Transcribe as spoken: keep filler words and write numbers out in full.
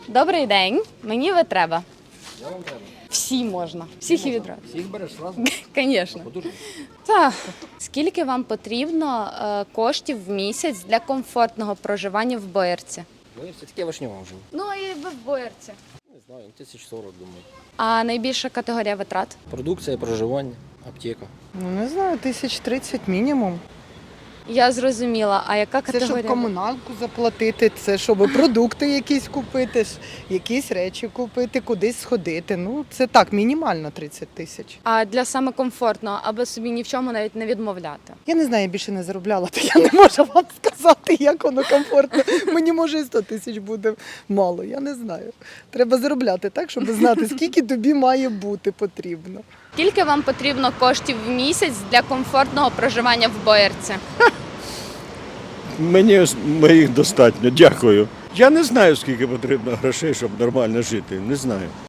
Добрий день, мені ви треба. Я вам треба. Всі можна, всіх і відразу. Всіх береш одразу? Звісно. Подужно. Так. Скільки вам потрібно е, коштів в місяць для комфортного проживання в Боярці? Ну, я все-таки вишньова вже. Ну і ви в Боярці. Не знаю, тисяч сорок, думаю. А найбільша категорія витрат? Продукція, проживання, аптека. Ну, не знаю, тисяч тридцять мінімум. Я зрозуміла. А яка Це категорія? щоб комуналку заплатити, це щоб продукти якісь купити, ж, якісь речі купити, кудись сходити. Ну, це так, мінімально тридцять тисяч. А для саме комфортного, аби собі ні в чому навіть не відмовляти. Я не знаю, я більше не заробляла, то я не можу вам сказати, як воно комфортно. Мені може і сто тисяч буде мало, я не знаю. Треба заробляти так, щоб знати, скільки тобі має бути потрібно. Скільки вам потрібно коштів в місяць для комфортного проживання в Боярці? Мені моїх достатньо, дякую. Я не знаю, скільки потрібно грошей, щоб нормально жити. Не знаю.